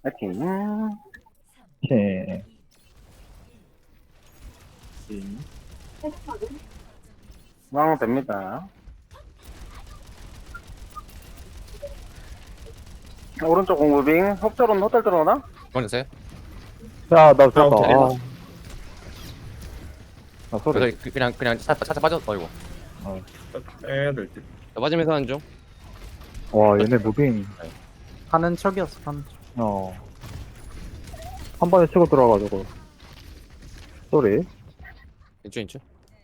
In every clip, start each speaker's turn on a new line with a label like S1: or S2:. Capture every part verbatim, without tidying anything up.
S1: 파이팅.
S2: 오케이.
S1: 왕 됩니다. 오른쪽 공무빙. 흡절은 호텔 들어오나?
S3: 보내주세요.
S2: 야, 나 죽었다.
S3: 오케이.
S2: 아, 아 소리.
S3: 그래서 그- 그냥 그냥 살짝 살짝 빠졌. 어이구.
S4: 빼야 될 듯.
S3: 나 빠지면서 하는 중.
S2: 와, 얘네 무빙.
S5: 가는 척이었어, 가는 척.
S2: 어. 한 번에 치고 들어가가지고. 소리.
S3: 인추 인추.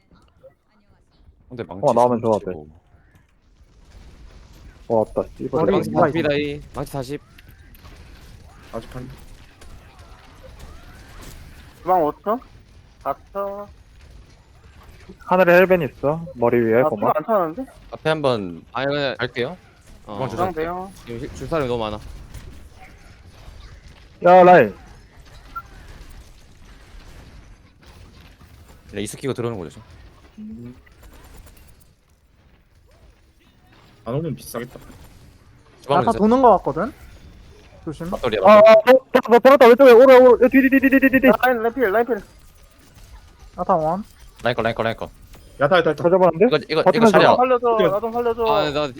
S3: 근데 망치.
S2: 어, 나오면 좋아,
S3: 치고.
S2: 와, 왔다. 씨발.
S5: 머리
S3: 망치
S5: 뭐가
S3: 사십 다이. 망치 사십.
S4: 아직 한.
S1: 주방 오 초? 사 초?
S2: 하늘에 헬벤 있어. 머리 위에
S1: 아,
S2: 고마.
S1: 안 차는데?
S3: 앞에 한번 아 이거 갈게요. 어,
S4: 주방
S1: 주방 돼요.
S3: 지금 힐- 줄 사람이 너무 많아.
S2: 야, 라인.
S3: 그냥 이스키고 들어오는 거죠.
S4: 안 오면 비싸겠다.
S3: 주방
S5: 아까
S3: 주세요.
S5: 도는 거 같거든? 조심.
S3: 맞돌이야.
S2: 아, 아, 돌았다, 돌았다. 왼쪽에 오래, 오래. 뒤뒤뒤뒤뒤뒤.
S1: 라인, 라인필, 라인필.
S5: 아타 원.
S3: 라인 거 라인 거 라인 거.
S4: 야타 야타 야타.
S2: 찾아봤는데?
S3: 이거 이거 이거
S2: 버티면서
S3: 차려.
S1: 나 살려줘,
S4: 어떡해.
S1: 나 좀 살려줘.
S3: 아나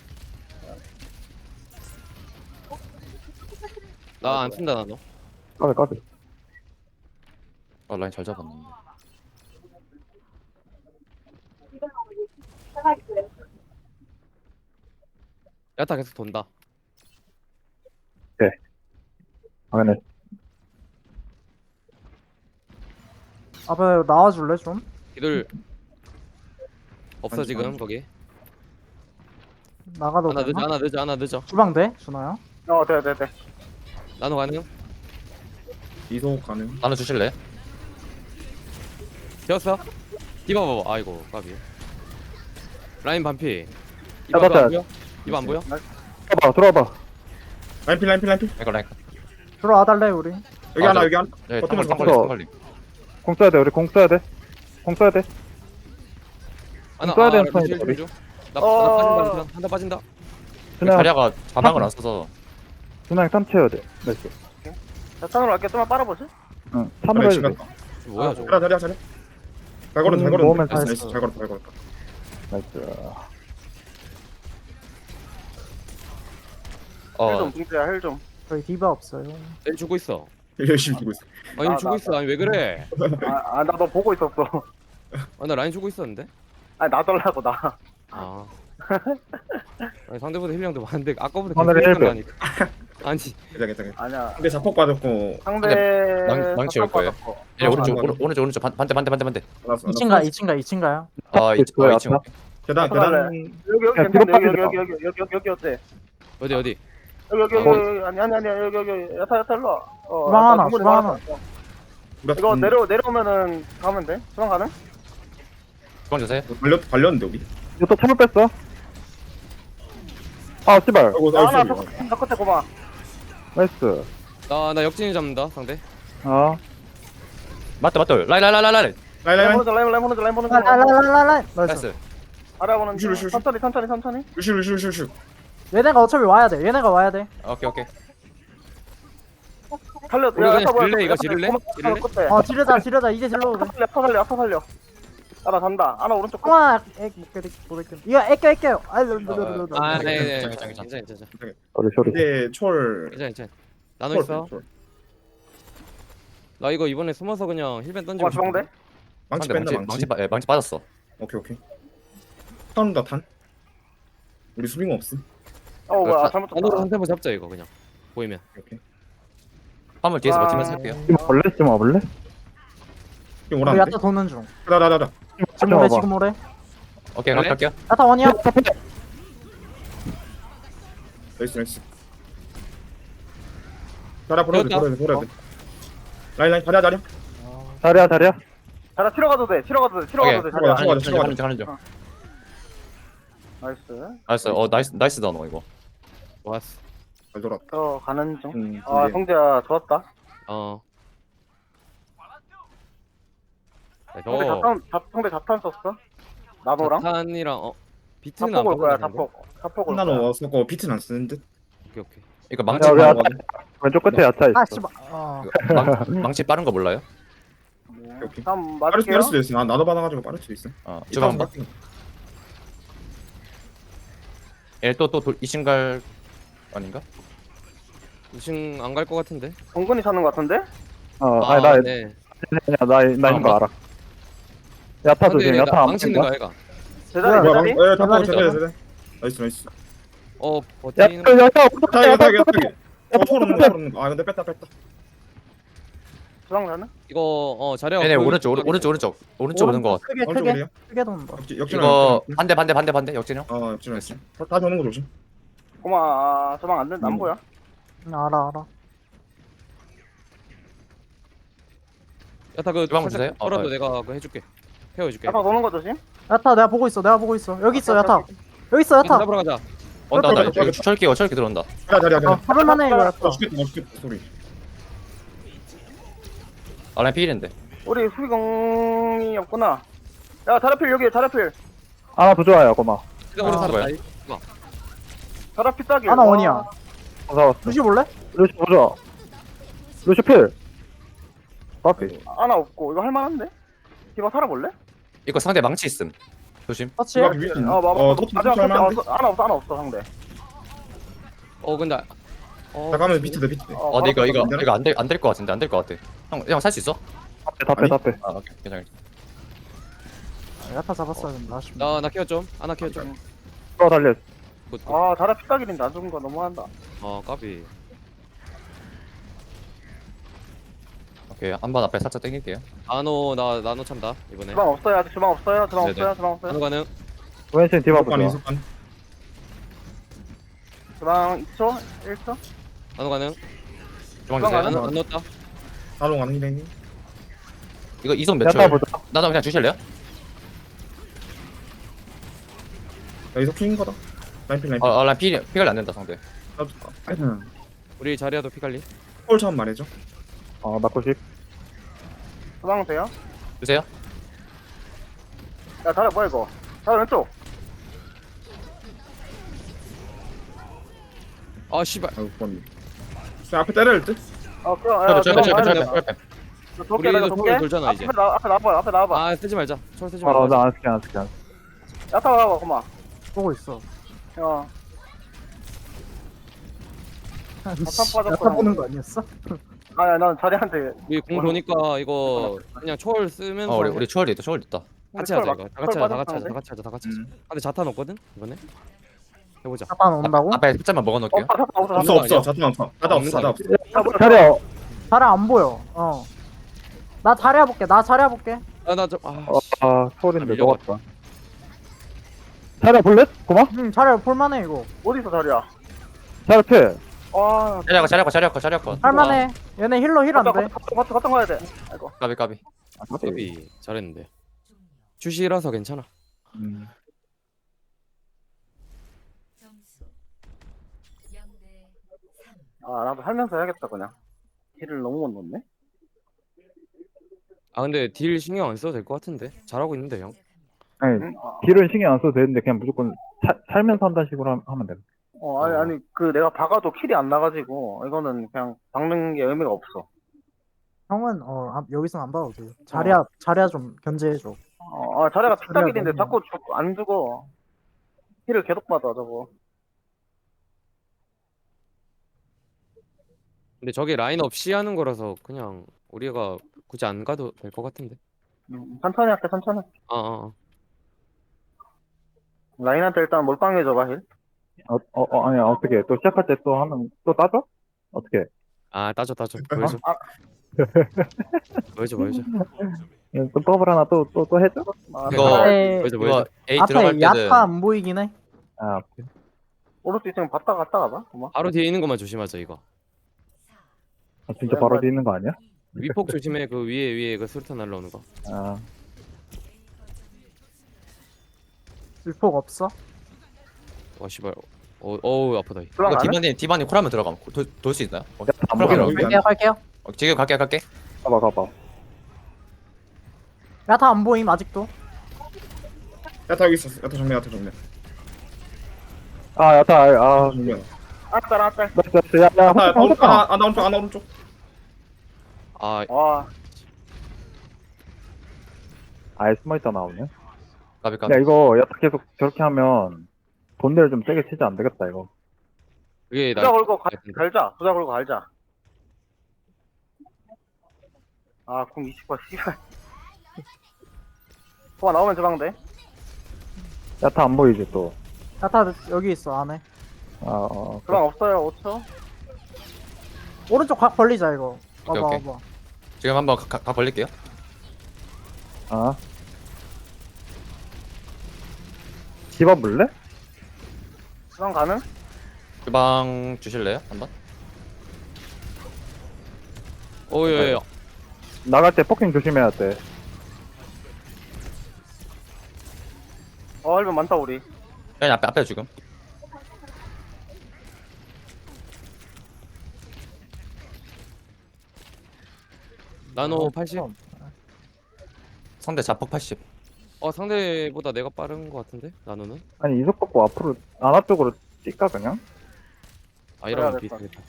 S3: 나 안 쓴다 나 너.
S2: 까비, 까비.
S3: 아 라인 잘 잡았는데. 야타 계속 돈다.
S2: 당연히.
S5: 앞에 나와줄래, 좀?
S3: 기들 없어
S4: 아니,
S3: 지금
S4: 아니.
S3: 거기.
S5: 나가도
S3: 하나
S5: 되나?
S3: 늦어 하나 늦어 하나 늦어.
S5: 주방 돼? 준호야?
S1: 어, 돼, 돼, 돼.
S3: 나노 가능?
S4: 이소 가능.
S3: 나눠 주실래? 되었어? 디바 봐봐. 아이고 까비. 라인 반피. 디바
S2: 맞다.
S3: 안 보여? 디바 안 보여?
S2: 들어봐, 들어봐.
S4: 라인필 라인필 라인필.
S3: 이거 라인.
S5: 들어와 달래, 우리.
S4: 여기
S3: 아,
S4: 하나
S3: 저-
S4: 여기 하나.
S3: 네,
S4: 버티면서
S3: 탕걸리
S2: 탕걸리.
S3: 탕걸리.
S2: 공 써야 돼, 우리 공 써야 돼. 공 써야 돼.
S3: 하나
S2: 써야
S3: 아,
S2: 되는
S3: 루시
S2: 턴이다,
S3: 힐
S2: 우리.
S3: 좀 줘. 나,
S1: 어.
S3: 나 빠진다 한대 빠진다.
S2: 그냥,
S3: 자리아가 자막을 안 써서
S2: 그냥 탐 채워야 돼. 나이스.
S1: 자, 찬으로 갈게. 좀만 빨아보지.
S2: 응, 탐으로 해도 돼.
S3: 뭐야
S4: 아,
S3: 저거.
S4: 자리야 자리야 자리야. 잘 걸었다 잘
S2: 음,
S4: 걸었다.
S2: 모으면
S4: 나이스
S2: 다
S4: 나이스 잘 걸었다 잘 걸었다.
S2: 나이스.
S3: 어,
S1: 힐 좀, 붕대야, 힐 좀.
S5: 저희 디바 없어요.
S3: 일 주고 있어.
S4: 열심히 주고 있어.
S3: 아니
S1: 나,
S3: 주고
S1: 나,
S3: 있어. 아니 왜 그래?
S1: 아, 아, 나 너 보고 있었어.
S3: 아 나 라인 주고 있었는데.
S1: 아, 놔달라고, 나.
S3: 아. 아니 상대보다 힐량도 많은데 아까보다
S2: 하늘에
S3: 계속
S2: 일
S3: 하니까. 아니
S4: 괜찮아 괜찮아.
S1: 아니야.
S4: 근데 자폭 받았고
S1: 상대.
S3: 망- 망치 올 거예요.
S1: 삭삭 받았고.
S3: 야, 오른쪽
S4: 아,
S3: 오른- 오른쪽 오른쪽 반- 반대 반대 반대 반대.
S4: 알았어.
S5: 이 층 가, 이 층 가, 이 층 가요.
S3: 아 이-
S2: 그거야,
S3: 아, 이 층.
S2: 아까?
S4: 계단
S1: 들어갈래.
S4: 계단.
S1: 여기, 여기,
S2: 야,
S1: 괜찮네.
S2: 뒤로
S1: 여기, 여기,
S2: 빠지겠다.
S1: 여기, 여기, 여기, 여기, 여기 어때?
S3: 어디 어디?
S1: 여기, 여기, 여기,
S2: 어.
S1: 여기, 아니, 아니, 아니, 여기, 여기, 야타, 야타, 일로 와. 어,
S5: 주방
S1: 야타
S5: 하나,
S1: 주문이
S5: 주방
S1: 많았어.
S4: 우리가
S1: 이거
S4: 음,
S1: 내려, 내려오면은 가면 돼? 주방 가능?
S3: 주방 주세요.
S4: 발렸 발렸는데 여기.
S2: 이거 또 참을 뺐어? 아, 씨발.
S4: 아이고
S1: 야, 하나,
S4: 나이스.
S1: 저, 저 끝에 고마.
S2: 나이스.
S3: 나나 역진이 잡는다 상대.
S2: 아,
S3: 맞다 맞다. 라인 라인 라인 라인 라인.
S4: 라인
S1: 라인
S4: 라인.
S1: 보는 중, 라인, 라인 보는 중, 라인 보는 중.
S5: 라라라라라라. 나이스.
S3: 나이스.
S1: 알아보는 중.
S4: 슈, 슈, 슈.
S1: 천천히, 천천히, 천천히.
S4: 루슈 루슈 루슈 루슈.
S5: 얘네가 어차피 와야 돼. 얘네가 와야 돼.
S3: 오케이 오케이.
S1: 살려.
S3: 우리 그냥
S1: 뭐야,
S3: 지를래, 이거
S1: 야타,
S3: 지를래?
S1: 고마,
S3: 지를래?
S1: 끝에.
S5: 어, 지르자, 지르자. 이제 질러 오래.
S1: 살려, 파 살려, 파 살려. 아, 나 잔다. 아, 나 오른쪽 끝.
S5: 형아, 액, 못 깨, 못 깨. 이거 애껴, 애껴. 아, 르, 르, 르, 르, 르.
S3: 아, 네, 네,
S4: 괜찮아,
S3: 괜찮아,
S4: 괜찮아,
S3: 괜찮아, 괜찮아,
S2: 소리, 소리.
S4: 근데 철.
S3: 괜찮아, 괜찮아. 나눠
S4: 철,
S3: 있어.
S4: 철.
S3: 나 이거 이번에 숨어서 그냥 힐벤 던지고.
S1: 어, 주방대?
S4: 망치
S3: 상대
S4: 뺀다
S3: 망치
S4: 망치.
S3: 망치 빠- 예, 망치 빠졌어.
S4: 오케이 오케이. 탄다 탄. 우리 수빙 없음.
S1: 어, 뭐야,
S3: 자,
S1: 잘못
S3: 나눠서
S1: 쳤다.
S3: 한 템포 잡자 이거 그냥. 보이면.
S4: 오케이.
S3: 화물 뒤에서
S1: 아.
S3: 버티면서 할게요.
S2: 좀 와볼래? 좀 와볼래?
S4: 지금
S5: 우리
S4: 오라는데.
S5: 야타 도는 중.
S4: 나나나나.
S5: 지금
S2: 좀
S5: 오래,
S2: 와봐.
S5: 지금 오래.
S3: 오케이 그래? 갈게요.
S5: 야타 원이야.
S4: 나이스 나이스. 자리야 버려야 돼
S3: 되었다.
S4: 버려야 돼 버려야 돼. 라인 라인 자리야 자리야.
S2: 자리야, 자리야.
S1: 자라 치러 가도 돼, 치러 가도 돼, 치러
S3: 오케이.
S1: 가도 돼.
S4: 들어가,
S1: 자리야.
S4: 들어가.
S3: 하는 중 하는 중 하는 중.
S1: 어. 나이스.
S3: 나이스. 어 나이스 나이스 다너 이거. 좋았어.
S4: 잘 돌았다.
S1: 저 가는 중.
S4: 음,
S1: 아,
S4: 근데
S1: 성재야, 좋았다.
S3: 어. 네,
S1: 성재
S3: 저
S1: 자탄, 자, 성재 자탄 썼어? 나노랑?
S3: 자탄이랑 어 비트는 안
S1: 자폭 올 거야,
S3: 받는다,
S1: 자폭. 자폭 올
S4: 하나는
S1: 거야.
S4: 와서 거 비트는 안 쓰는 듯.
S3: 오케이 오케이. 이거 망치
S2: 야, 우리
S3: 방-
S2: 아까 왼쪽 끝에 야차 있어.
S5: 아 씨발 어
S6: 망, 망치 빠른 거 몰라요?
S1: 네.
S4: 오케이.
S1: 다음
S4: 빠를 수,
S1: 맞을게요.
S4: 빠를 수도 있어. 나 나도 받아가지고 빠를 수도 있어.
S6: 어
S4: 이
S6: 주방
S4: 타운
S6: 봐.
S4: 빡-
S6: 얘또또 이신갈 아닌가?
S3: 이층 안 갈 것 같은데.
S1: 동근이 찾는 것 같은데?
S2: 어,
S3: 아,
S2: 아니 나,
S3: 네.
S2: 나, 나 있는 거 알아. 야타 조심,
S3: 근데
S2: 야타
S3: 나
S2: 안
S3: 망치는
S2: 보인다.
S3: 거야, 얘가.
S1: 제자리
S4: 뭐야,
S1: 제자리?
S4: 방- 예, 다
S5: 대단히
S4: 제대 제대. 나이스 나이스.
S3: 어,
S2: 야,
S3: 버티는
S2: 그 야타,
S4: 타
S2: 야타,
S4: 이거
S2: 야타,
S4: 타 이거
S2: 야타.
S4: 타. 어 초록 초록 없는 거. 아 근데 뺐다 뺐다.
S1: 주방 가는?
S3: 이거 어 자리가
S6: 얘네
S3: 보이는
S6: 오른쪽 오른-
S3: 쪽이네.
S6: 오른쪽 오른쪽 오른쪽 오는 거 같아.
S5: 크게
S4: 오른쪽
S5: 크게
S4: 어디야?
S5: 크게 돈다.
S4: 역지 역지.
S6: 이거 반대 반대 반대 반대 역진형.
S4: 어 역지 역지. 다 다시 오는 거 조심.
S1: 고마. 아, 주방 안 된다. 안
S4: 음.
S1: 보여?
S5: 응, 알아 알아.
S3: 야타 그
S6: 주방
S3: 살짝
S6: 주세요? 어,
S3: 떨어도
S6: 어.
S3: 내가 그거 해줄게. 케어해줄게.
S1: 야타 도는 거 조심.
S5: 야타 내가 보고 있어. 내가 보고 있어. 여기 있어 야타. 여기 있어 야타.
S3: 잡으러 가자.
S6: 온다 온다.
S4: 오케이,
S6: 여기
S4: 오케이.
S6: 철기가 철기 들어온다.
S4: 자리 자리 자리.
S5: 어 잡을만해 이거 야타.
S4: 아 죽겠다 나 죽겠다 소리.
S6: 아라인 필인데.
S1: 우리 수비공이 없구나. 야, 자라필 여기 자라필.
S2: 하나 부조화야, 고마.
S3: 우리
S5: 아,
S3: 살았다.
S6: 뭐야?
S1: 자라필 따기.
S5: 하나 원이야.
S2: 무서웠어.
S5: 루시 볼래?
S2: 루시 부조화. 루시 필. 커피.
S1: 하나 없고 이거 할만한데? 디바 살아볼래?
S6: 이거 상대 망치 있음. 조심.
S5: 터치.
S4: 이거 위에 있나?
S1: 어, 봐봐.
S4: 어 너도
S1: 마지막
S4: 터치
S1: 터치
S4: 할만한데?
S1: 없어. 하나 없어, 하나 없어 상대.
S3: 어 근데 어
S4: 잠깐만 비트돼 비트.
S1: 어,
S6: 어, 근데 이거
S1: 바로
S6: 이거
S4: 괜찮아?
S6: 이거 안될 안 될 것 같은데 안 될 것 같아. 형형 살 수 있어?
S2: 답해,
S4: 아니?
S2: 답해.
S6: 아 오케이 괜찮아.
S5: 야타 잡았어야 된다. 아쉽네.
S3: 나나 케어 좀. 하나 케어 좀.
S2: 또 달려.
S3: 굿, 굿.
S1: 아, 자라필 따기는 놔준 거 너무한다.
S3: 어 까비.
S6: 오케이 한 번 앞에 살짝 당길게요.
S3: 나노 나 나노 찬다 이번에.
S1: 주방 없어요. 아직 주방 없어요. 주방
S6: 네네.
S1: 없어요. 주방 없어요.
S3: 나노 가능.
S2: 왼신 디바
S4: 이석반
S2: 부조화.
S4: 이석반.
S1: 주방 이 초, 일 초.
S3: 나노 가능.
S6: 주방
S1: 주방
S6: 주세요.
S1: 가능?
S3: 안, 안 넣었다.
S4: 나도 가는 길에.
S6: 이거 이성 몇
S2: 야타
S6: 초요?
S2: 부조화.
S6: 나도 그냥 주실래요?
S4: 야 이석 킹인 거다. 라인필 라인필.
S6: 어, 어 라인 피 피가 안 된다 상대.
S4: 나도
S3: 우리 자리야도 피갈리.
S4: 콜 처음 말해줘.
S2: 어, 나 구십.
S1: 주방 돼요?
S6: 주세요.
S1: 야, 자라 뭐야 이거? 자라 왼쪽.
S3: 아 씨발.
S4: 아이고 번. 저 앞에 때려야 될 듯.
S1: 어, 그럼.
S6: 철배
S1: 야,
S6: 철배
S1: 주방
S6: 철배
S1: 가야
S6: 철배
S1: 돼.
S6: 철배.
S1: 저 돌게,
S3: 우리도
S1: 내가
S3: 돌
S1: 돌게.
S3: 돌잖아, 이제.
S1: 앞에 나, 앞에 나와봐, 앞에 나와봐.
S3: 아 쓰지 말자. 철 쓰지
S2: 아,
S3: 말자.
S2: 나안 쓸게, 안 쓸게, 안 쓸게.
S1: 야타 와봐, 고마.
S5: 보고 있어.
S1: 어, 빠졌구나.
S5: 야타 보는 거 아니었어?
S1: 아니, 난 자리한테.
S3: 우리 공 도니까 이거 그냥 초월 쓰면서
S6: 어 우리 우리 초월이 있다 초월 있다.
S3: 같이 하자 이거. 다 같이 하자. 다 같이 하자. 다
S1: 데
S3: 같이 하자. 다 같이 하자. 근데 자탄 없거든 이번에. 해보자.
S5: 야타 온다고?
S6: 앞에 숫자만 먹어놓을게요.
S1: 없어, 없어, 없어.
S4: 없어
S3: 거
S4: 없어
S3: 아니야?
S4: 자탄 없어. 자탄 없어 자탄 없어.
S2: 차려.
S5: 자리 안 보여. 어. 나 자리 해볼게. 나 자리 해볼게.
S3: 아나 좀. 아,
S2: 어, 아, 소린데
S3: 아, 밀려갔다.
S2: 녹았다. 차려 볼래? 고마?
S5: 응 자리 볼만해 이거.
S1: 어디 있어, 자리야?
S2: 차려 필.
S1: 와,
S6: 자리아거 자리아거 자리아거 자리아거.
S5: 할만해. 얘네 힐러 힐 안 돼.
S1: 같이, 같이 가야 돼. 아이고.
S6: 까비 까비.
S3: 까비 잘했는데. 주시라서 괜찮아.
S2: 음.
S7: 점수 영 대 삼.
S1: 아, 나도 살면서 해야겠다, 그냥. 힐을 너무 못 넣네.
S3: 아 근데 딜 신경 안 써도 될 것 같은데. 잘하고 있는데 형.
S2: 아니,
S1: 응? 아,
S2: 딜은 신경 안 써도 되는데 그냥 무조건 사, 살면서 한다는 식으로 함- 하면 돼.
S1: 어, 아니, 아니, 그 내가 박아도 킬이 안 나가지고, 이거는 그냥 박는 게 의미가 없어.
S5: 형은 어 아, 여기선 안 봐도 돼. 자리야 자리야 좀 견제해줘.
S1: 어, 아, 자리가 픽딱일인데
S5: 너무-
S1: 자꾸 죽, 안 죽어. 힐을 계속 받아, 저거.
S3: 근데 저게 라인업 C 하는 거라서 그냥 우리가 굳이 안 가도 될 것 같은데.
S1: 음, 천천히 할게, 천천히.
S3: 아, 아, 아.
S1: 라인한테 일단 몰빵해줘봐, 힐.
S2: 어, 어, 어, 아니, 어떻게, 또 시작할 때 또 하면, 또 따져? 어떻게?
S3: 아 따져 따져. 보여줘.
S1: 아.
S3: 보여줘 보여줘.
S2: 예, 또 더블 하나 또, 또, 또 해줘?
S1: 아,
S6: 이거-
S1: 아,
S5: 앞에
S3: 보여줘
S6: 이거
S3: 보여줘.
S6: A 들어갈
S5: 앞에
S6: 때는
S5: 야타 안 보이긴 해.
S2: 아,
S1: 오를 수 있으면 봤다 갔다 가봐. 고마.
S3: 바로 뒤에 있는 것만 조심하자 이거.
S2: 아, 진짜 바로 뒤에 있는 거 아니야?
S3: 위폭 조심해. 그 위에 위에 그 수류탄 날라오는 거.
S2: 아,
S5: 일폭 없어?
S3: 와 씨발. 어 어우 아프다. 이.
S1: 들어가네?
S6: 이거 디바님 디바님 콜하면 들어가면 돌 수 있나요? 어,
S2: 안
S6: 그럼
S2: 보여.
S6: 그럼.
S5: 갈게요 갈게요.
S6: 어, 지금 갈게 갈게.
S2: 가봐, 가봐.
S5: 야타 안 보임 아직도.
S4: 야타 여기 있었어. 야타 정면 야타 정면.
S2: 아, 야타, 아,
S4: 정면.
S1: 아딸 아딸.
S2: 나이스 나이스 야야
S4: 아, 나 오른쪽,
S2: 호텔
S4: 아, 아, 나 오른쪽, 아, 나 오른쪽.
S3: 아
S1: 와
S2: 아예 숨어있다 나오네.
S6: 까비 까비.
S2: 야 이거 야타 계속 저렇게 하면 본대를 좀 세게 치지 안 되겠다 이거.
S3: 그게
S1: 부자
S3: 나
S1: 걸고 가, 갈자. 부자 걸고 갈자. 아궁 이십 번 씨발. 소아 나오면 저방대.
S2: 야타 안 보이지 또.
S5: 야타 여기 있어 안에.
S2: 아 어.
S1: 저방 없어요 오 초.
S5: 오른쪽 각 벌리자 이거.
S6: 오케이,
S5: 와봐
S6: 오케이.
S5: 와봐.
S6: 지금 한번 가, 가 벌릴게요.
S2: 아. 집어볼래?
S1: 저방 가능?
S6: 주방 주실래요? 한번?
S3: 오예예.
S2: 나갈 때 폭킹 조심해야 돼.
S1: 어 할면 많다 우리.
S6: 그냥 앞에 앞에 지금.
S3: 나노 팔십.
S6: 상대 자폭 팔십.
S3: 어 상대보다 내가 빠른 거 같은데 나노는?
S2: 아니 이속 받고 앞으로 안아 쪽으로 뛸까 그냥?
S3: 아 이러면
S1: 그래야 될것
S3: 비슷하겠다.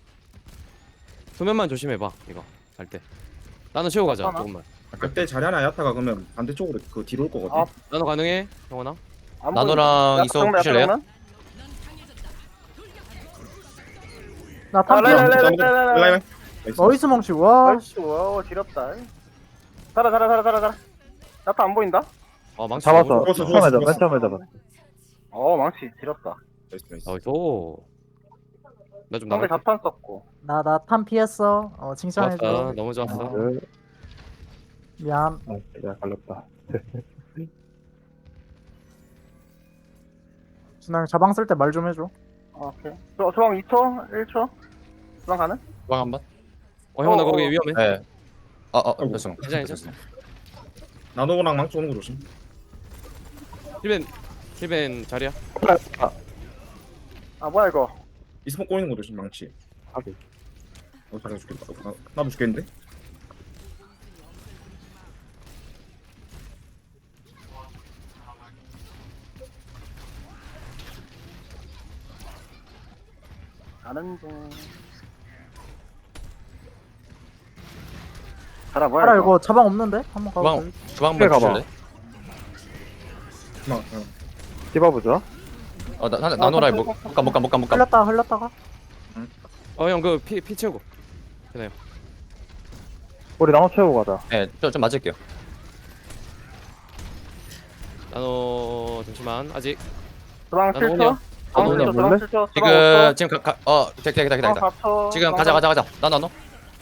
S3: 소면만 조심해봐 이거 갈 때. 나노 치고 가자
S1: 괜찮아?
S3: 조금만.
S4: 그때 자리하나 야타가 그러면 반대쪽으로 그 뒤로 올 거거든.
S1: 아,
S3: 나노 가능해 형원아?
S1: 안
S6: 나노랑
S1: 보인다.
S6: 이속
S1: 야타
S6: 주실래요?
S1: 정면?
S5: 나
S1: 아,
S5: 탐피.
S1: 라이라이,
S4: 자,
S1: 라이라이, 라이라이.
S4: 라이라이. 나이스.
S5: 어이스 멍치 와.
S1: 아이씨 와 지렸다. 살아 살아 살아 살아 살아. 야타 안 보인다?
S3: 아 망치.
S2: 잡았어.
S4: 죽었어,
S2: 처음에
S4: 죽었어,
S2: 잡, 맨 처음에 잡았어.
S1: 어 망치 지렸다.
S4: 나이스, 나이스.
S3: 나이스. 나좀
S1: 상대
S3: 나갈게.
S1: 자탄 썼고.
S5: 나 나 탐피했어. 어 칭찬해줘.
S3: 좋았다. 너무 좋았어.
S2: 그,
S5: 미안.
S2: 아, 야 갈렸다.
S5: 준하 자방 쓸 때 말 좀 해줘.
S1: 아, 오케이. 저 저방 이 초, 일 초. 저방 가능?
S6: 주방 한번.
S3: 어 형원아
S1: 어,
S3: 거기
S1: 어.
S3: 위험해.
S6: 네. 어어
S4: 아이고.
S6: 죄송.
S3: 괜찮아, 괜찮아.
S4: 나노랑 망치 오는 거 조심.
S3: 힐벤 힐벤 자리야.
S2: 아,
S1: 아 뭐야 이거?
S4: 이스모 꼬이는 거 조심, 망치.
S2: 하기.
S4: 어, 잘해 죽겠다. 어, 나, 나도 죽겠는데?
S1: 가는 중. 가라 뭐야
S5: 알아
S1: 이거?
S5: 이거 자방 없는데? 한번 가봐.
S6: 주방 주방
S2: 그래,
S6: 한번
S2: 가봐.
S6: 주실래?
S4: 나, 어.
S2: 집어보자.
S6: 어 나, 나 나노라이 못가못가못가못가.
S5: 흘렸다 흘렸다가.
S3: 어 형 그 피 피 채우고.
S2: 우리 나눠 채우고 가자.
S6: 네, 좀, 좀 맞을게요.
S3: 나노 잠시만 아직.
S1: 저방
S3: 나는
S1: 칠 초.
S3: 오냐?
S1: 저방
S3: 나는
S1: 칠 초,
S2: 오냐?
S1: 저방 칠 초.
S6: 지금 지금 가어 기다 기다 기다 기다.
S1: 사 초.
S6: 지금 가자 가자 가자. 나 나노.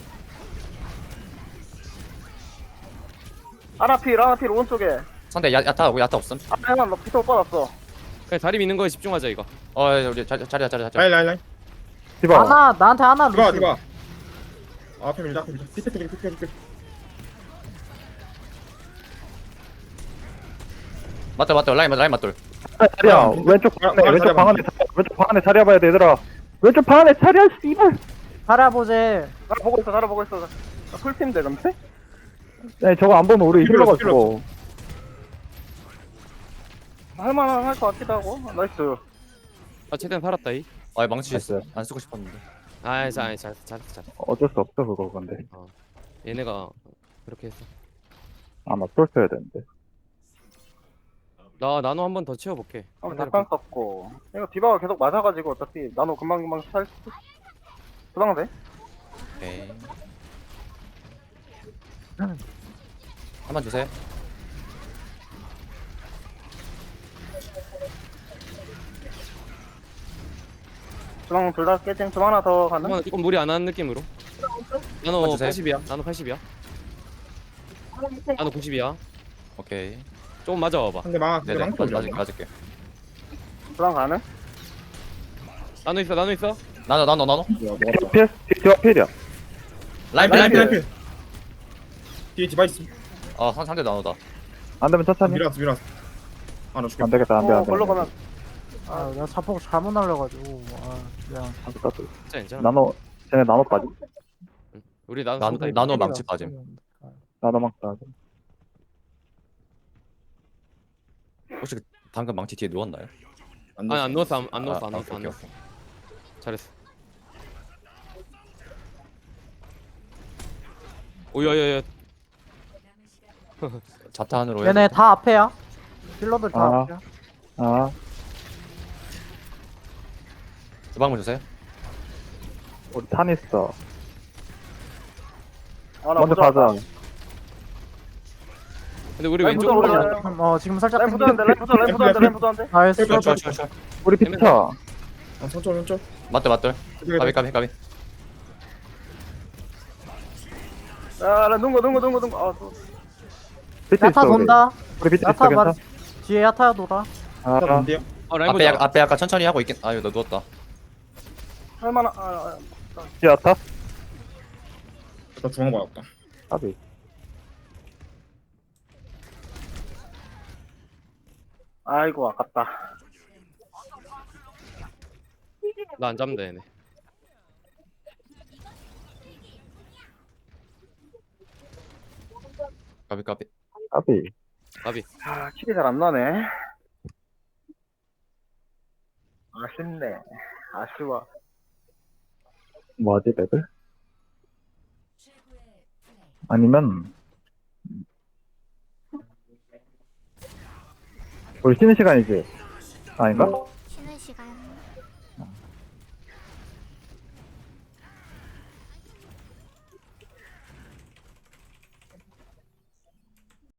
S1: 아나필 아나필 오른쪽에.
S6: 상대 야 야타 하고 야타 없음.
S1: 아 형아 너 피터 빠졌어.
S3: 그냥 다리 미는 거에 집중하자 이거.
S6: 어 우리 자리 자리야 자리야 자리.
S4: 라이, 라이, 라이.
S2: 집어.
S5: 하나 나한테 하나
S4: 디바,
S5: 루시.
S4: 디바. 아, 앞에 밀자, 앞에 밀자. 피트, 피트, 피트, 피트.
S6: 맞돌 맞돌 라인 라인 맞돌.
S2: 자리야
S4: 아,
S2: 왼쪽
S4: 아,
S2: 방 안에
S4: 아,
S2: 왼쪽
S4: 자리야,
S2: 방 안에 자리야, 왼쪽 방 안에 자리야 봐야 돼 얘들아. 왼쪽 방 안에 자리야 씨발.
S5: 바라보제.
S1: 나 보고 있어, 나 보고 있어. 나 풀팀인데 근데?
S2: 네 저거 안 보면 우리
S4: 필요 없어,
S2: 힐러가지고.
S1: 할만한 할 것 같기도 하고. 아, 나이스.
S3: 아 최대한 살았다 이.
S6: 아 망치
S2: 됐어요.
S6: 안 쓰고 싶었는데.
S3: 아이 잘 잘 잘 잘.
S2: 어쩔 수 없어 그거 근데.
S3: 얘네가 그렇게 했어.
S2: 아마 쏠 써야 되는데.
S3: 나 나노 한 번 더 채워볼게.
S1: 어, 잠깐 썼고. 이거 디바가 계속 맞아가지고 어차피 나노 금방금방 살 수. 도망 돼?
S6: 오케이. 한번 주세요.
S1: 도망 둘 다 깨진. 도망 하나 더 가는?
S3: 한번 조금 무리 안 하는 느낌으로. 나노
S6: 한번 주세요.
S3: 팔십이야. 나노 팔십이야. 나노 구십이야.
S6: 오케이.
S3: 조금 맞아와봐.
S4: 상대 망, 상대
S6: 네네
S4: 망치
S6: 맞
S4: 올려.
S6: 맞을 맞을게.
S1: 도망 가는?
S3: 나노 있어 나노 있어.
S6: 나노 나노 나노.
S4: 뭐야, 먹었다.
S2: 필? 디바 필이야.
S6: 라인
S4: 라인,
S6: 라인.
S4: 라인, 라인. 뒤에 디바 있음.
S6: 어 상- 상대 나노다.
S2: 안 되면 천천히.
S4: 밀었어, 밀었어. 아, 나 죽겠다.
S2: 안 되겠다 안 돼
S1: 어,
S2: 안 돼.
S1: 걸로 가면.
S5: 아, 나 자폭 잘못 날려가지고. 아, 미안.
S2: 안 돼. 따뜻.
S3: 진짜 괜찮아.
S2: 나노 쟤네 나노까지.
S3: 우리 나노
S6: 나노
S3: 쏜다,
S6: 나노
S3: 이거.
S6: 망치 빠짐.
S2: 나노 막 따.
S6: 혹시 그 방금 망치 뒤에 누웠나요?
S4: 안
S3: 아니 안
S4: 넣었어.
S3: 넣었어 안, 안 넣었어 안
S6: 아,
S3: 넣었어 안
S6: 오케이,
S3: 넣었어.
S6: 오케이.
S3: 잘했어. 오야야야.
S6: 자탄으로 해야
S5: 얘네
S6: 돼.
S5: 다 앞에야. 힐러들 다
S2: 아.
S5: 앞에야.
S2: 아,
S6: 주방문 주세요.
S2: 우리 탄 있어.
S1: 아, 나
S2: 먼저
S1: 보자.
S2: 가자.
S3: 근데 우리
S1: 라인
S3: 왼쪽으로
S1: 보자,
S3: 가자.
S1: 보자.
S5: 지금, 어 지금 살짝
S1: 라인
S5: 땡기.
S1: 보자는데, 라인 보자, 라인 보자는데, 라인 보자는데.
S5: 나이스.
S4: 쫄, 쫄,
S6: 쫄, 쫄, 쫄.
S2: 우리 비트쳐.
S4: 아, 선쪽, 선쪽.
S6: 맞돌, 맞돌. 까비, 까비, 까비.
S1: 야, 나 눈거, 눈거, 눈거, 눈거. 아, 또.
S2: 비트
S5: 야타
S2: 있어. 우리.
S5: 돈다.
S2: 우리 비트 있어.
S5: 야타 말
S2: 괜찮아?
S5: 뒤에 야타야 도다.
S2: 아,
S4: 다 뭔데요?
S3: 아 라인
S6: 앞에, 약,
S3: 보자.
S6: 앞에 약간 천천히 하고 있긴. 아유, 너 누웠다.
S1: 할만한, 아, 아,
S2: 뒤에 야타?
S4: 나 중앙 받았다.
S2: 까비.
S1: 아이고, 아깝다.
S3: 나 안 잡는다 얘네.
S6: 까비, 까비.
S2: 까비.
S3: 까비.
S1: 아, 킬이 잘 안 나네. 아쉽네. 아쉬워.
S2: 뭐하지, 맵을?
S7: 최고의 플레이.
S2: 아니면, 우리 쉬는 시간이지? 아닌가?
S8: 쉬는 시간.